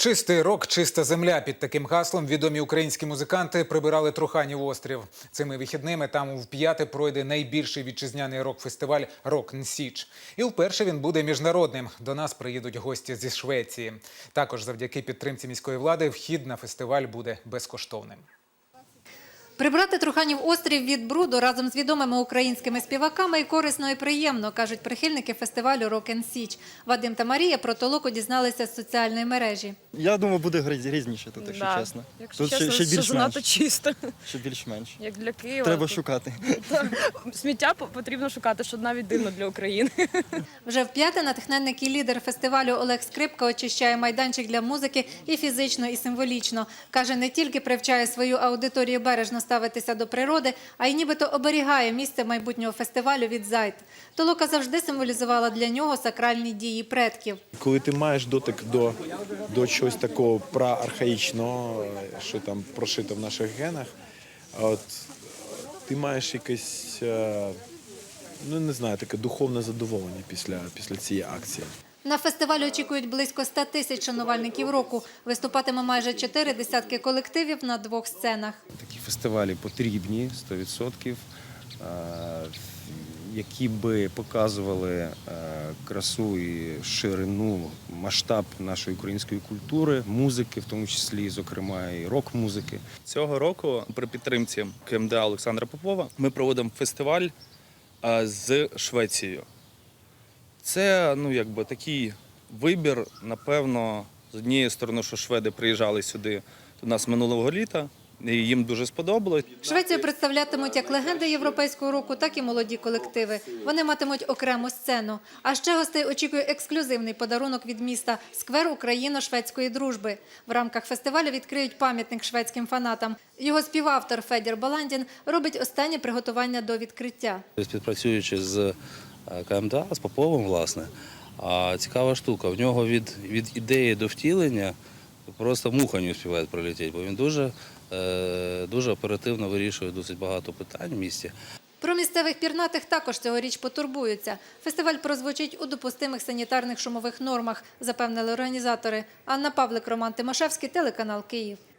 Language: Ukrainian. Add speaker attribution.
Speaker 1: Чистий рок, чиста земля. Під таким гаслом відомі українські музиканти прибирали Труханів острів. Цими вихідними там вп'яте пройде найбільший вітчизняний рок-фестиваль «Рок н Січ». І вперше він буде міжнародним. До нас приїдуть гості зі Швеції. Також завдяки підтримці міської влади вхід на фестиваль буде безкоштовним.
Speaker 2: Прибрати Труханів острів від бруду разом з відомими українськими співаками і корисно, і приємно, кажуть прихильники фестивалю «Рок н Січ». Вадим та Марія про толоку дізналися з соціальної мережі.
Speaker 3: Я думаю, буде грізніше тут, якщо чесно.
Speaker 4: Якщо
Speaker 3: Тут
Speaker 4: чесно,
Speaker 3: ще
Speaker 4: що занадто чисто,
Speaker 3: Ще більш-менш.
Speaker 4: як для Києва.
Speaker 3: Треба шукати.
Speaker 4: Сміття потрібно шукати, що навіть дивно для України.
Speaker 2: Вже вп'яте натхненник і лідер фестивалю Олег Скрипка очищає майданчик для музики і фізично, і символічно. Каже, не тільки привчає свою аудиторію бережно ставитися до природи, а й нібито оберігає місце майбутнього фестивалю від зайд. Толока завжди символізувала для нього сакральні дії предків.
Speaker 5: Коли ти маєш дотик до чогось такого проархаїчного, що там прошито в наших генах, от, ти маєш якесь, ну не знаю, таке духовне задоволення після цієї акції.
Speaker 2: На фестивалі очікують близько 100 тисяч шанувальників року. Виступатиме майже 4 десятки колективів на 2 сценах.
Speaker 6: Такі фестивалі потрібні 100%, які би показували красу і ширину, масштаб нашої української культури, музики, в тому числі, зокрема, і рок-музики.
Speaker 7: Цього року при підтримці КМДА Олександра Попова ми проводимо фестиваль з Швецією. Це такий вибір, напевно, з однієї сторони, що шведи приїжджали сюди до нас минулого літа, і їм дуже сподобалось.
Speaker 2: Швецію представлятимуть як легенди європейського року, так і молоді колективи. Вони матимуть окрему сцену. А ще гостей очікує ексклюзивний подарунок від міста – сквер україно-шведської дружби. В рамках фестивалю відкриють пам'ятник шведським фанатам. Його співавтор Федір Баландін робить останні приготування до відкриття.
Speaker 8: Співпрацюючи з КМДА, з Поповим, власне, цікава штука. В нього від ідеї до втілення просто муха не успіває пролетіти, бо він дуже оперативно вирішує досить багато питань в місті.
Speaker 2: Про місцевих пірнатих також цьогоріч потурбуються. Фестиваль прозвучить у допустимих санітарних шумових нормах, запевнили організатори. Анна Павлик, Роман Тимошевський, телеканал «Київ».